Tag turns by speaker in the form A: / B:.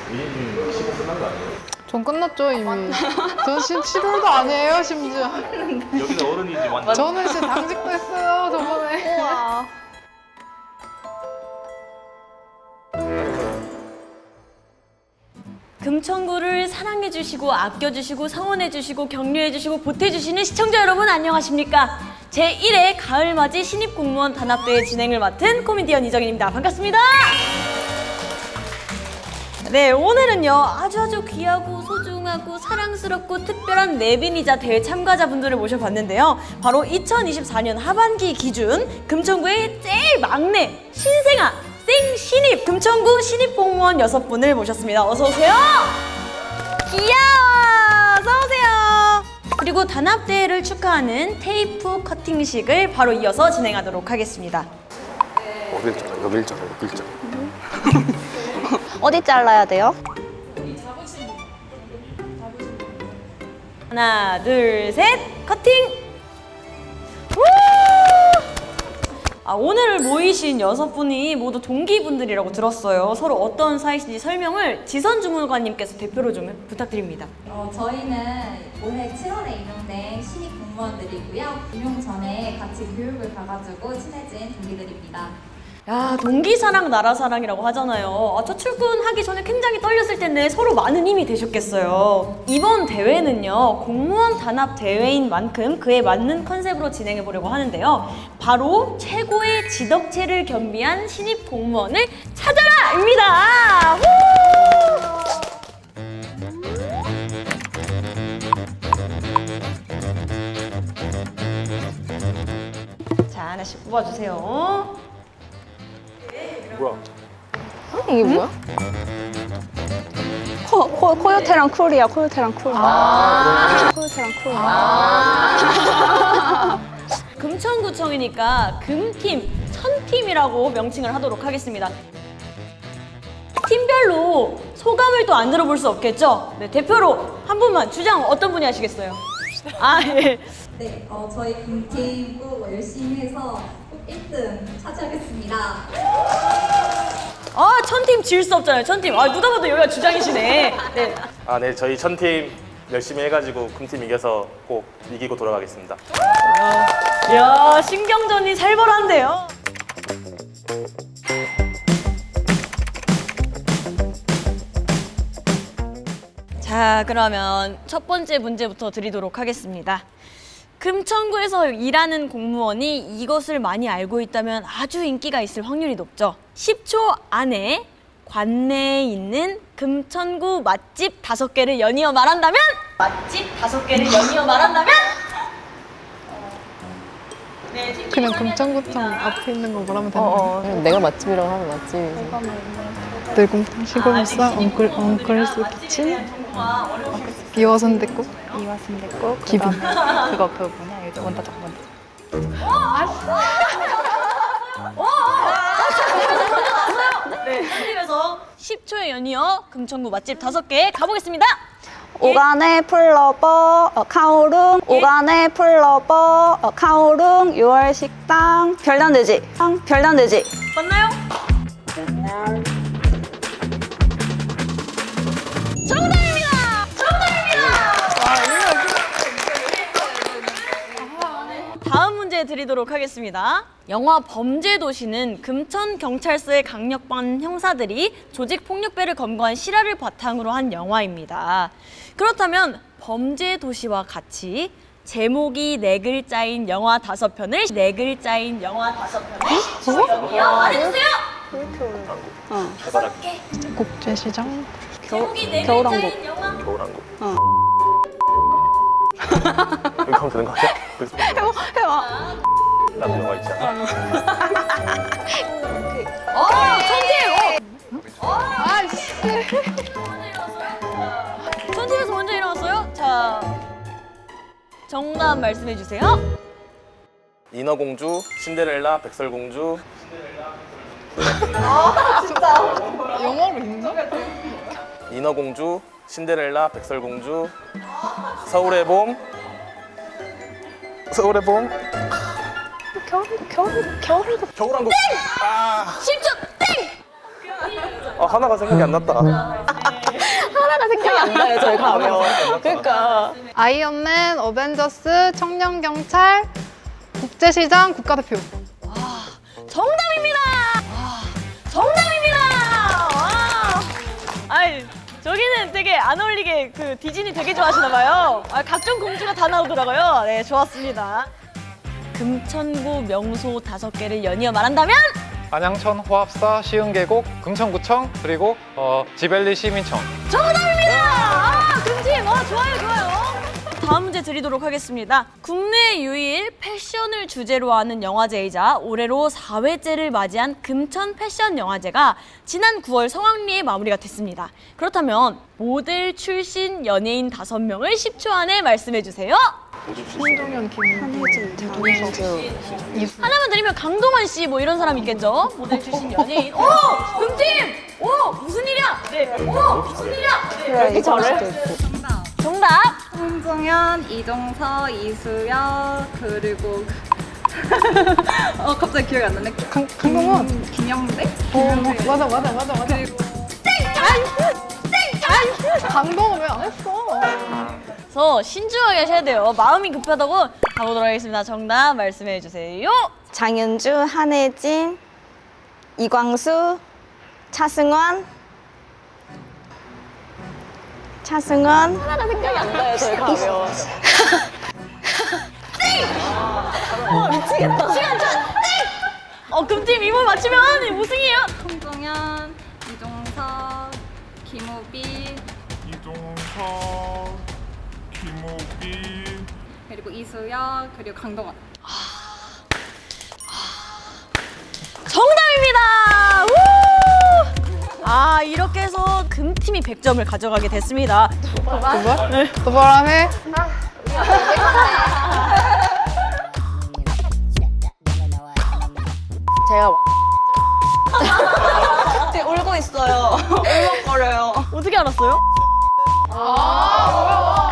A: 미니님 시간 끝난 거 아니에요?
B: 전 끝났죠 이미. 전 11월도 아니에요 심지어.
A: 여기는 어른이지 완전.
B: 저는 진짜 당직도 했어요 저번에.
C: 우와. 금천구를 사랑해주시고 아껴주시고 성원해주시고 격려해주시고 보태주시는 시청자 여러분 안녕하십니까? 제1회 가을맞이 신입공무원 단합대회 진행을 맡은 코미디언 이정인입니다. 반갑습니다. 네, 오늘은요 아주 귀하고 소중하고 사랑스럽고 특별한 내빈이자 대회 참가자분들을 모셔봤는데요. 바로 2024년 하반기 기준 금천구의 제일 막내 신생아 생신입 금천구 신입공무원 6분을 모셨습니다. 어서오세요. 귀여워. 어서오세요. 그리고 단합대회를 축하하는 테이프 커팅식을 바로 이어서 진행하도록 하겠습니다.
A: 어딜 잘라? 여길 잘라. 여길 잘라.
D: 어디 잘라야 돼요?
C: 하나, 둘, 셋, 커팅! 우! 오늘 모이신 6분이 모두 동기분들이라고 들었어요. 서로 어떤 사이신지 설명을 지선 주무관님께서 대표로 좀 부탁드립니다.
E: 저희는 올해 7월에 임용된 신입 공무원들이고요. 임용 전에 같이 교육을 가가지고 친해진 동기들입니다.
C: 야, 동기사랑 나라사랑이라고 하잖아요. 저 출근하기 전에 굉장히 떨렸을 텐데 서로 많은 힘이 되셨겠어요. 이번 대회는요, 공무원 단합 대회인 만큼 그에 맞는 컨셉으로 진행해 보려고 하는데요. 바로 최고의 지덕체를 겸비한 신입 공무원을 찾아라! 입니다. 자, 하나씩 뽑아주세요.
A: 뭐야?
B: 이게 뭐야?
D: 코요테랑 쿨이야. 코요테랑 쿨. 코요테랑 쿨.
C: 금천구청이니까 금팀, 천팀이라고 명칭을 하도록 하겠습니다. 팀별로 소감을 또 안 들어볼 수 없겠죠? 네, 대표로 한 분만 주장 어떤 분이 하시겠어요? 예.
E: 네, 저희 금팀 꼭 열심히 해서 꼭 1등 차지하겠습니다.
C: 천팀 질 수 없잖아요. 천팀. 누가 봐도 여기가 주장이시네. 네.
F: 네, 저희 천팀 열심히 해가지고 금팀 이겨서 꼭 이기고 돌아가겠습니다.
C: 이야, 신경전이 살벌한데요. 자, 그러면 첫 번째 문제부터 드리도록 하겠습니다. 금천구에서 일하는 공무원이 이것을 많이 알고 있다면 아주 인기가 있을 확률이 높죠. 10초 안에 관내에 있는 금천구 맛집 5개를 연이어 말한다면? 맛집 5개를 연이어 말한다면? 네, 팀
B: 그냥
C: 팀장님
B: 금천구청
C: 하겠습니다.
B: 앞에 있는 거 말하면 되는
G: 그냥 내가 맛집이라고 하면 맛집이지.
B: 늘곰탕 시골무쌈 엉클스 키친 이화선대국
D: 이화순대국.
B: 기빈.
D: 그거 뭐냐? 이거 원다적.
C: 네, 팀에서 10초에 연이어 금천구 맛집 5개 가보겠습니다.
D: 오간의 풀러버 카오룽. 오간의 풀러버 카오룽. 6월 식당. 별난돼지. 별난돼지.
C: 맞나요? 정답입니다! 다음 문제 드리도록 하겠습니다. 영화 범죄도시는 금천경찰서의 강력반 형사들이 조직폭력배를 검거한 실화를 바탕으로 한 영화입니다. 그렇다면 범죄도시와 같이 제목이 4글자인 영화 5편을 4글자인 영화 5편을 말해주세요!
B: 국제시장
C: 제목이 4글자인
D: 겨울왕국.
C: 영화
F: 겨울왕국. 여기 하면 되는 거 아니야?
D: 해봐.
F: 나도 영화 있지 않아?
C: 천팀에서 먼저 일어났어요? 자, 정답 말씀해 주세요.
F: 인어공주, 신데렐라, 백설공주.
B: 영어로 있나?
F: 인어공주, 신데렐라, 백설공주. 서울의 봄. 서울의 봄.
D: 겨울왕국.
F: 겨울왕국.
C: 10초 땡!
F: 하나가 생각이 안 났다.
G: 하나가 생각이 안 나요, 저희 가면. 그러니까.
B: 아이언맨, 어벤져스, 청년경찰, 국제시장, 국가대표.
C: 정답입니다. 정답입니다. 와. 아이, 저기는 되게 안 어울리게 그 디즈니 되게 좋아하시나 봐요. 아, 각종 공주가 다 나오더라고요. 네, 좋았습니다. 금천구 명소 5개를 연이어 말한다면
H: 안양천 호합사 시흥계곡 금천구청 그리고 지벨리 시민청.
C: 정답입니다. 아, 금팀. 좋아요, 좋아요. 다음 문제 드리도록 하겠습니다. 국내 유일 패션을 주제로 하는 영화제이자 올해로 4회째를 맞이한 금천 패션 영화제가 지난 9월 성황리에 마무리가 됐습니다. 그렇다면 모델 출신 연예인 5명을 10초 안에 말씀해 주세요.
B: 신동현, 김민석,
C: 하나만 드리면 강동원 씨 뭐 이런 사람 있겠죠? 모델 출신 연예인. 오! 금팀! 오! 무슨 일이야? 네. 오! 무슨 일이야? 네.
D: 그래, 이거
C: 정답!
E: 홍종현, 이종서, 이수연, 그리고 갑자기 기억이 안 나네.
B: 강동원.
E: 김영배?
B: 맞아. 강동원 왜 안 했어?
C: 그래서 신중하게 하셔야 돼요. 마음이 급하다고 가보도록 하겠습니다. 정답 말씀해 주세요.
D: 장윤주, 한혜진, 이광수, 차승원.
G: 하나가 생각이 안 나요, 저희 가면.
C: 금팀 이번 맞추면 우승이에요.
E: 홍종현, 이종서, 김우빈, 그리고 이수연, 그리고 강동원.
C: 정답입니다. 우! 아, 이렇게 해서 금팀이 100점을 가져가게 됐습니다.
B: 도발하네.
G: 제가
D: 지금 울고 있어요. 울먹거려요.
C: 어떻게 알았어요?
B: 뭐야.